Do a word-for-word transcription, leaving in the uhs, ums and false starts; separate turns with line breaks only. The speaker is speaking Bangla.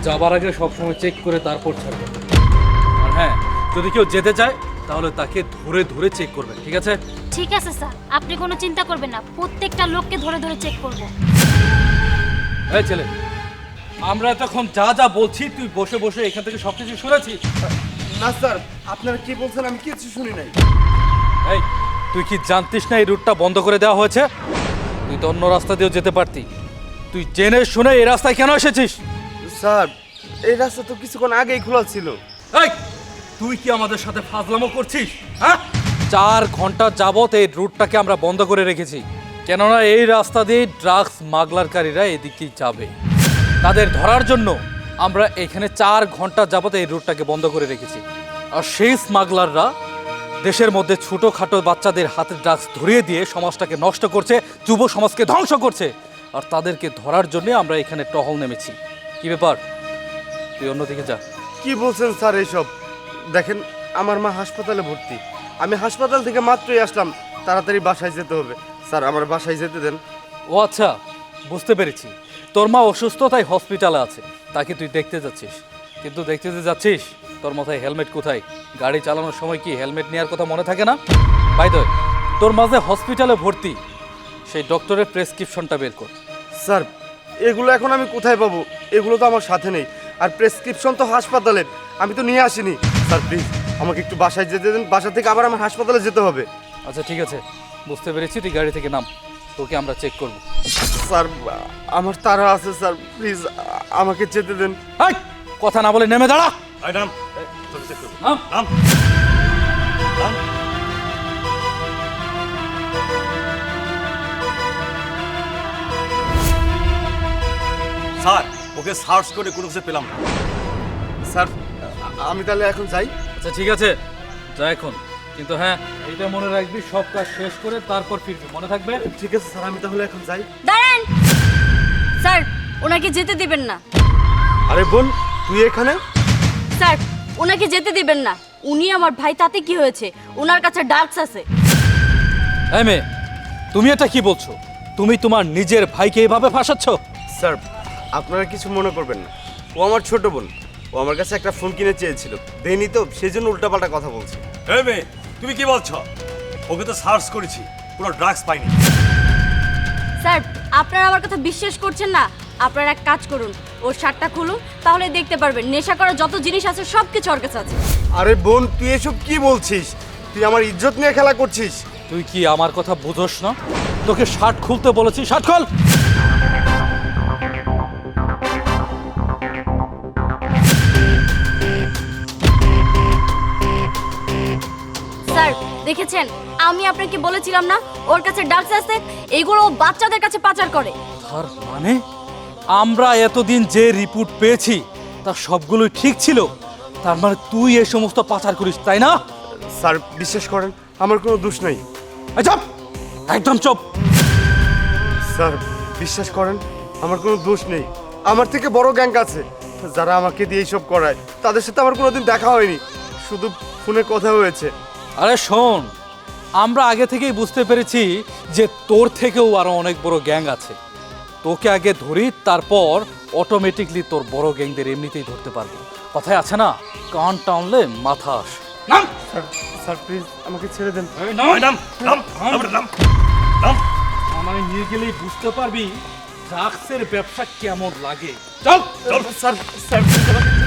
যাবার আগে সবসময় চেক করে তারপর ছাড়বে। আর হ্যাঁ, যদি কেউ যেতে চায় তাহলে তাকে ধরে ধরে চেক করবে, ঠিক আছে?
ঠিক আছে স্যার, আপনি কোনো চিন্তা করবেন না, প্রত্যেকটা লোককে ধরে ধরে চেক করব।
এই ছেলে, আমরা তখন যা যা বলছি তুই বসে বসে এখান থেকে সবকিছু শুনেছিস?
না স্যার, আপনারা কি বলছেন আমি কিছু শুনি নাই।
এই, তুই কি জানতিস না এই রুটটা বন্ধ করে দেওয়া হয়েছে? তুই তো অন্য রাস্তা দিয়েও যেতে পারতি। তুই জেনে শুনে এই রাস্তায় কেন এসেছিস?
স্যার, এই রাস্তা তো কিছুক্ষণ আগেই খোলা ছিল।
এই, তুই কি আমাদের সাথে ফাজলামো করছিস? হ্যাঁ, চার ঘন্টা যাবত এই রুটটাকে আমরা বন্ধ করে রেখেছি, কেননা এই রাস্তা দিয়ে ড্রাগস স্মাগলারকারীরা এদিকেই যাবে। তাদের ধরার জন্য আমরা এখানে চার ঘন্টা যাবত এই রুটটাকে বন্ধ করে রেখেছি। আর সেই স্মাগলাররা দেশের মধ্যে ছোটোখাটো বাচ্চাদের হাতে ড্রাগস ধরিয়ে দিয়ে সমাজটাকে নষ্ট করছে, যুব সমাজকে ধ্বংস করছে। আর তাদেরকে ধরার জন্য আমরা এখানে টহল নেমেছি। কি ব্যাপার, তুই অন্যদিকে যা।
কি বলছেন স্যার এইসব? দেখেন, আমার মা হাসপাতালে ভর্তি। আমি হাসপাতাল থেকে মাত্রই আসলাম, তাড়াতাড়ি বাসায় যেতে হবে। স্যার, আমার বাসায় যেতে দেন।
ও আচ্ছা, বুঝতে পেরেছি। তোর মা অসুস্থ, তাই হসপিটালে আছে, তাকে তুই দেখতে যাচ্ছিস। কিন্তু দেখতে যে যাচ্ছিস, তোর মাথায় হেলমেট কোথায়? গাড়ি চালানোর সময় কি হেলমেট নেওয়ার কথা মনে থাকে না? বাই দ্য ওয়ে, তোর মাঝে হসপিটালে ভর্তি সেই ডক্টরের প্রেসক্রিপশনটা বের কর।
স্যার, এগুলো এখন আমি কোথায় পাবো? এগুলো তো আমার সাথে নেই। আর প্রেসক্রিপশন তো হাসপাতালের, আমি তো নিয়ে আসিনি। স্যার প্লিজ আমাকে একটু বাসায় যেতে দেন, বাসা থেকে আবার আমার হাসপাতালে যেতে হবে।
আচ্ছা ঠিক আছে, বুঝতে পেরেছি, তুই গাড়ি থেকে নাম, তোকে আমরা চেক করব।
স্যার, আমার তাড়া আছে স্যার, প্লিজ আমাকে যেতে দেন।
এই, কথা না বলে নেমে দাঁড়া।
আই নাম তোকে চেক করব।
নাম।
নাম নাম স্যার, ওকে সার্চ করে কোনো কিছু পেলাম না।
স্যার, আমি তাহলে এখন যাই।
আচ্ছা ঠিক আছে, যা এখন। কিন্তু হ্যাঁ, এইটা মনে রাখবি, সব কাজ শেষ করে তারপর ফিরবি, মনে থাকবে?
ঠিক আছে স্যার, আমি তাহলে এখন যাই।
দাঁড়ান স্যার, ওনাকে যেতে দিবেন না।
আরে বোন, তুই এখানে?
স্যার, ওনাকে যেতে দিবেন না। উনি আমার ভাই, তাতে কি হয়েছে? ওনার কাছে ডার্কস আছে।
এই মেয়ে, তুমি এটা কি বলছো? তুমি তোমার নিজের ভাইকে এভাবে ফাঁসাচ্ছ?
স্যার, আপনারা কিছু মনে করবেন না, ও আমার ছোট বোন। ও আমার কাছে একটা ফোন কিনে চেয়েছিল, দেয়নি তো, সেই জন্য উল্টাপাল্টা কথা বলছে।
এই মেয়ে, তুমি কি বলছো? ওকে তো সার্চ করেছি, কোনো ড্রাগস পাইনি।
স্যার, আপনারা আমার কথা বিশ্বাস করছেন না? আপনারা এক কাজ করুন, ওর শার্টটা খুলুন, তাহলে দেখতে পারবেন নেশা করার যত জিনিস আছে সব কিছু ওর কাছে আছে।
আরে বোন, তুই এসব কি বলছিস? তুই আমার ইজ্জত নিয়ে খেলা করছিস।
তুই কি আমার কথা বুঝোস না? তোকে শার্ট খুলতে বলেছি, শার্ট খোল।
স্যার দেখেছেন, আমি আপনাকে বলেছিলাম না ওর কাছে ডার্কস আছে? এইগুলো ও বাচ্চাদের কাছে পাচার করে।
তার মানে আমরা এতদিন যে রিপোর্ট পেয়েছি তার সবগুলোই ঠিক ছিল। তার মানে তুই এই সমস্ত পাচার করিস, তাই না?
স্যার বিশ্বাস করেন, আমার কোনো দোষ নেই।
এই চুপ, একদম চুপ।
স্যার বিশ্বাস করেন, আমার কোনো দোষ নেই। আমার থেকে বড় গ্যাং আছে যারা আমাকে দিয়ে এইসব করায়। তাদের সাথে আমার কোনোদিন দেখা হয়নি, শুধু ফোনে কথা হয়েছে।
আরে শোন, আমরা আগে থেকেই বুঝতে পেরেছি যে তোর থেকেও আরো অনেক বড় গ্যাং আছে। তোকে আগে ধরি, তারপর অটোমেটিকলি তোর বড় গ্যাংদের এমনিতেই ধরতে পারবো। কথায় আছে না, কান টানলে মাথা আসে। নাম।
স্যার স্যার প্লিজ আমাকে ছেড়ে দেন।
আই নাম নাম নাম নাম নাম
আমায় নিয়ে গেলেই বুঝতে পারবি ড্রাগসের ব্যবসা কেমন লাগে। চল
স্যার স্যার